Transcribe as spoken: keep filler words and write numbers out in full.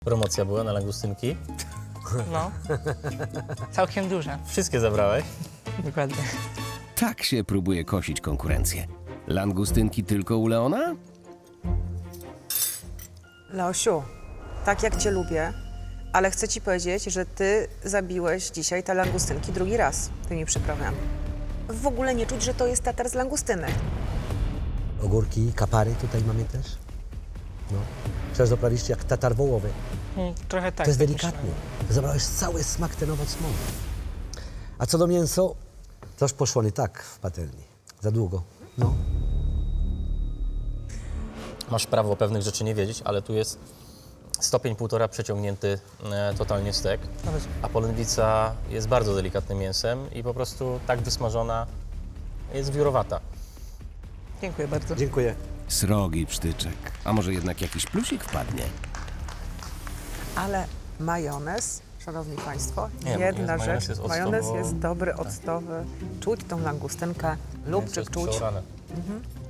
Promocja była na langustynki. No, całkiem duże, Wszystkie zabrałeś. dokładnie. Tak się próbuje kosić konkurencję. Langustynki tylko u Leona? Leosiu, tak jak cię lubię, ale chcę ci powiedzieć, że ty zabiłeś dzisiaj te langustynki drugi raz tymi przyprawami. W ogóle nie czuć, że to jest tatar z langustynek. Ogórki, kapary tutaj mamy też. No. Przecież doprawiście jak tatar wołowy. Mm, Trochę tak. To jest tak delikatnie. myślałem. Zabrałeś cały smak ten owoc mowy. A co do mięso, toż poszło nie tak w patelni. Za długo. No. Masz prawo pewnych rzeczy nie wiedzieć, ale tu jest stopień półtora przeciągnięty e, totalnie stek, Nawet a polędwica jest bardzo delikatnym mięsem i po prostu tak wysmażona jest wiórowata. Dziękuję bardzo. Dziękuję. Srogi psztyczek. A może jednak jakiś plusik wpadnie? Ale majonez, szanowni państwo, Nie, jedna majonez rzecz. jest octowo- Majonez jest dobry, octowy. Czuć tą langustynkę, lubczyk Mięso jest czuć. przeorane. Mhm.